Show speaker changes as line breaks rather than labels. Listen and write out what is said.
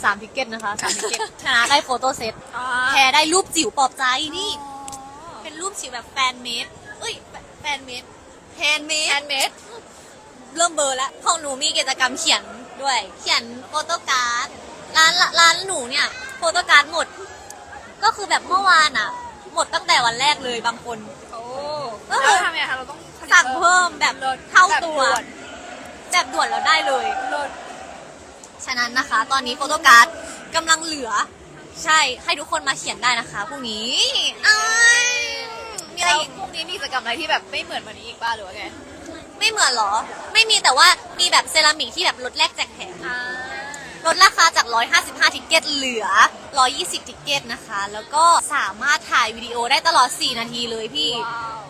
3ทิกเก็ตนะคะ3ทิกเก็ตชนะได้โฟโต้เซตแพ้ได้รูปจิ๋วปลอบใจนี่เป็นรูปจิ๋วแบบแฟนเมดแฟนเมดแฮนด์เมดเริ่มเบอร์แล้วของหนูมีกิจกรรมเขียนด้วยเขียนโฟโต้การ์ดร้านหนูเนี่ยโฟโต้การ์ดหมดก็คือแบบเมื่อวานอ่ะหมดตั้งแต่วันแรกเลยบางคนก็คือ
ทำไงคะเราต้อง
สั่งเพิ่มแบบเท่าตัวแบบด่วนแล้วได้เลยฉะนั้นนะคะตอนนี้โฟโต้การ์ดกำลังเหลือใช่ให้ทุกคนมาเขียนได้นะคะพรุ่งนี้มีอะไรอีก
พรุ่งนี้มีกิจกรรมอะไรที่แบบไม่เหมือนวันนี้อีกบ้างหรือว่าไง
ไม่เหมือนหรอไม่มีแต่ว่ามีแบบเซรามิกที่แบบลดแลกแจกแถมลดราคาจาก155ทิกเก็ตเหลือ120ทิกเก็ตนะคะแล้วก็สามารถถ่ายวิดีโอได้ตลอด4นาทีเลยพี่